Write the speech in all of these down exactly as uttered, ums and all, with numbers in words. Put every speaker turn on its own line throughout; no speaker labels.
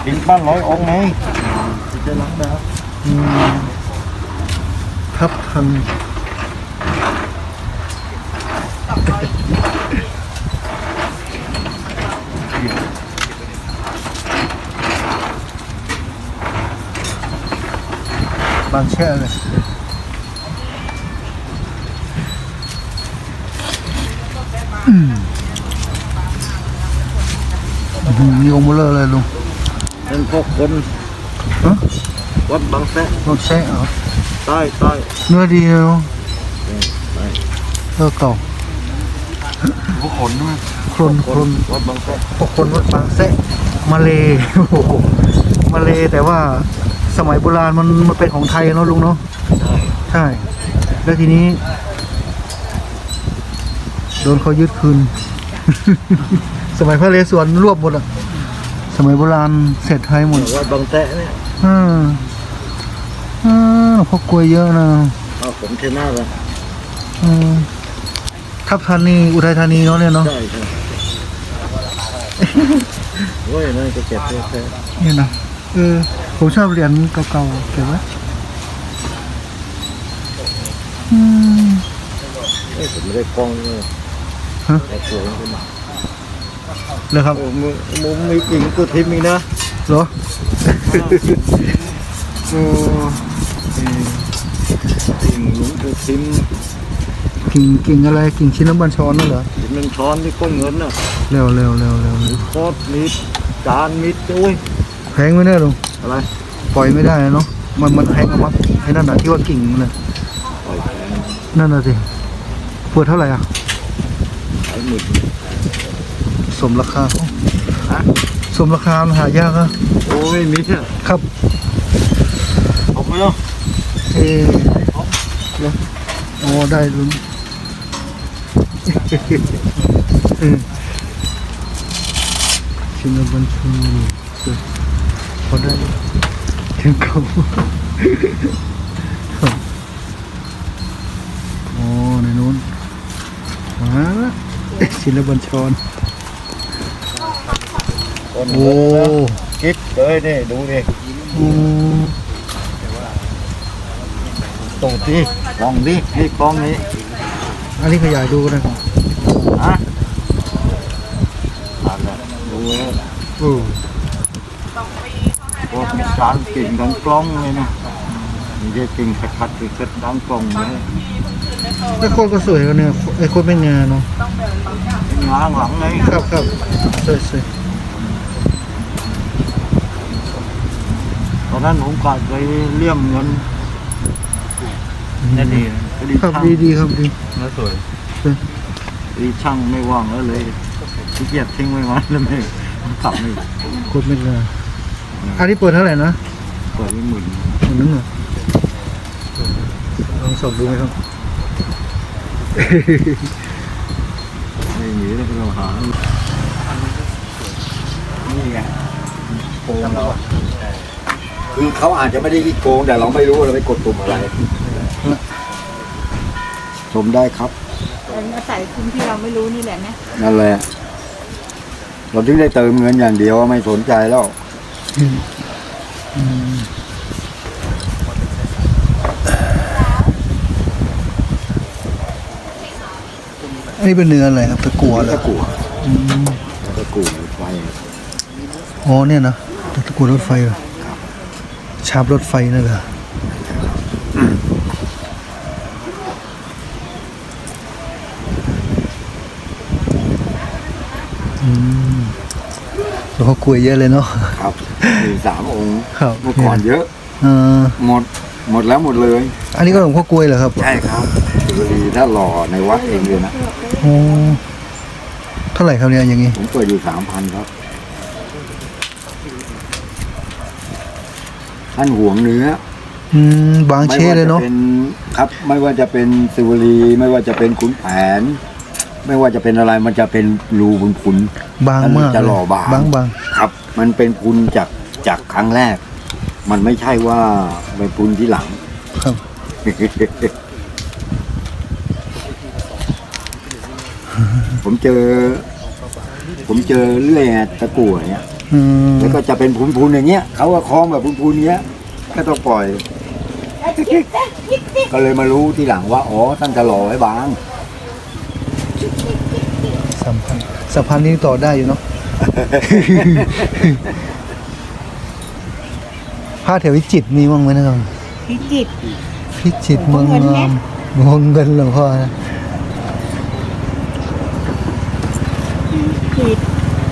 กินปั้นร้อยองค์ไงจะล้างดาว
ทับทันบางแช่เลยมีองค์เบลอเลยลุง
เป็นพวกคนวัดบางแสะ
บางแช่เหรอ
ใต้ใต้
เนื้อดีเนาะเนื้อเก่า
พวกคนด้วย
คนคน
วัดบางแสะ
พวกคนวัดบางแสะมาเลมาเลแต่ว่าสมัยโบราณมันมันเป็นของไทยเนาะลุงเนาะใช่แล้วทีนี้โดนเขายึดคืน สมัยพระนเรศวรรวบหมดอะสมัยโบราณเสร็จไทยหมด
วัดบางแสะเนี่ย
อ่าอ่าพวกกล้วยเยอะนะ
เอาผมเทน่าเลย
อืมทับธานีอุทัยธานีเนาะเนี่ยเนาะ
ใช่ใช่โอ้ยนั่นก็เจ็บแท้
เนี่ยนะเออผมชอบเหรียญเก่าๆเก็บไว้อืม
เอ้ยผมไม่ได้กล้องเลย
ฮะ
แต่สวยขึ้นมา
เลยครับ
มึงมึงมีกิ่งกูทิมอีกนะ
เหรอโอ้
กิ่งหลวงกูทิม
กิ่งกิ่งอะไรกิ่งชิ้นน้ำบัญชรนั่นเหรอ
กิ่งน้ำช้อนที่ก้นเงินน่ะ
เร็วเร็วเร็วเร็ว
โคตรมิดจานมิดด้วย
แพงไม่ได้ลุง
อะไร
ปล่อยไม่ได้เนาะมันมันแพงมั้งไอ้นั่นน่ะที่ว่ากิ่งเลยนั่นน่ะสิเปิดเท่าไหร่อ่ะ
ไอ้หมื่น
สมราคาสมราคาหายากอะ
โอ้ยมิดอ่ะ
ครับ
เอาไปเนาะ
เออโอ้ได้ลุงชินบัญชรพอได้ถึงเขาโอ้ในนู้นมาละชินบัญชรโอ้
คิดเลยนี่ดูดิตูดดิลองดินี่กล้องนี้
อันนี้ขยายดูกันนะครับ
ฮะอ่านเลยดูเลย
โอ้
โหมีการกิ่งดังกล้องเลยนะมีแค่กิ่งขัดๆคือดังกล้องเลย
ไอ้โคตรก็สวยกันเนี่ยไอ้โคตรไม่งาเนาะ
งาหลังเลย
ครับครับสวยสวย
ตอนนั้นผมกะไปเลี่ยมเงินนั่นดี
ครับดีดีครับดี
แล้วสวยดีช่างไม่ว่างแล้วเลยขี้เกียจทิ้งไว้วันแล้วไม่กลับไม่
โคตรไม่งาอันนี้เปิดเท่าไหร่นะ
เปิดไม่หมื่น
หมื่นนึงเหรอลองสอบดูไหมครับ
ไม่หนีแล้วเราหานี่ไงโกงเราคือเขาอาจจะไม่ได้โกงแต่เราไม่รู้เราไปกดปุ่มอะไรชมได้ครับ
อาศัยคุณที่เราไม่รู้นี่แหละนะ
นั่นแหละเราถึงได้เติมเงินอย่างเดียวไม่สนใจแล้ว
อันนี้เป็นเนื้ออะไรครับตะกั่วเหรอ
ตะกั่วตะกั่วรถไฟ
อ๋อเนี่ยนะตะกั่วรถไฟเหรอชาบรถไฟนั่นเหรออืมแล้วเขาคุยเยอะเลยเนาะ
ครับมีสามองค์
ครับ
เมื่อก่อนเยอะ
เออ
หมดหมดแล้วหมดเลย
อันนี้ก็หลวงพ่อกล้วยเหรอครับ
ใช่ครับสุรีถ้าหล่อในวัดเองเลยนะ
โอ้เท่าไหร่ครับเนี่ยอย่างงี้
ผมเปิดอยู่สามพันครับท่านห่วงเนื้อ
อืมบางเช่เลยเนาะ
ครับไม่ว่าจะเป็นสิวลีไม่ว่าจะเป็นขุนแผนไม่ว่าจะเป็นอะไรมันจะเป็นรูบุญพุน
บางมาก
จะหล่อบาง
บางบาง
ครับมันเป็นพุนจากจากครั้งแรกมันไม่ใช่ว่าเป็นพุนที่หลัง
ครับ
ผมเจอผมเจอเรื่อยตะกั่วเนี่ย
อืม
แล้วก็จะเป็นพูนๆอย่างเงี้ยเขาก็คล้องแบบพูนๆเงี้ยก็ต้องปล่อย ก็เลยมารู้ทีหลังว่าอ๋อท่านจะหล่อไว้บาง
สัมพันธ์สัมพันธ์นี้ต่อได้อยู่เนาะ ผ้าแถววิจิตรมีบ้างไหมนะครับ
พิจิตร
พิจิตรเมืองงามเมืองเงินหลวงพ่อนะ
พิจิตร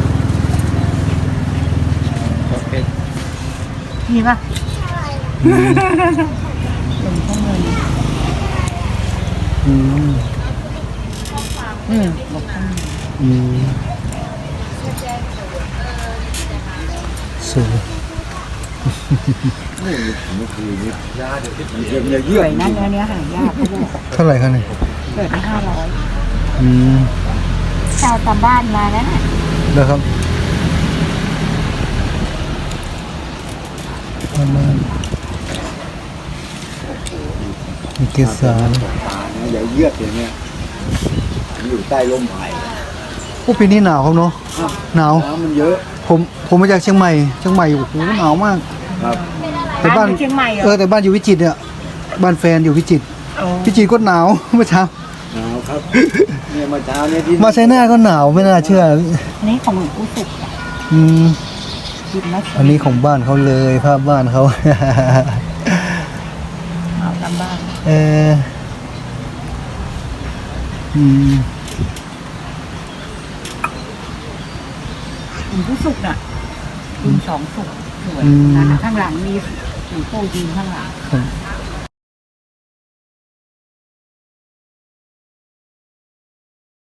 มีปะหลวงพ่อเงิน
อืม
อืมหลวงพ่อเงิน
อืมสวย
นี่เมื่อคืนนี้ยาเดี๋ยวมันเยี่ยม
ส
เยี่ย
วย
ม
นะเนื้อเนี้ยหายากเขาบอก
เท่าไหร่คะเนี่ย
เกิดไปห้าร้อย
อืม
ชาวตามบ้านมาแล้วน่ะ
แล้วครับประมาณมีเกสร
ตาเนี่ยอย่าเยือกอย่างเงี้ยอยู่ใต้ร่มไผ่
โอ้ปีนี้หนาวครับเนาะหนาว
น้ำมันเยอะ
ผมผมมาจากเชียงใหม่เชียงใหม่โอ้โหหนาวมาก
ครับ
แต่บ้าน
อยู่เชียงใหม่เหร
เอ
อ
อแต่บ้านอยู่วิจิตรเนี่ยบ้านแฟนอยู่วิจิตร
โอ้
พิจิตรก็หนาว เมื่อเช้า
หนาวครับเนี่ยเมื่อเช้าเนี่ยที่
มาไชน่าก็หนาวไม่น่าเชื่อ
อันนี้ของหลวงปู่สุขอะ
อืม
กินแล้ว
อันนี้ของบ้านเขาเลยภาพบ้านเขา
เอาตามบ้าน
เอออืม
หลวงปู่สุขน่ะคุณสองสุขสวยนะข้างหลังมีหลวงปู่ยืนข้างหลัง
ครับ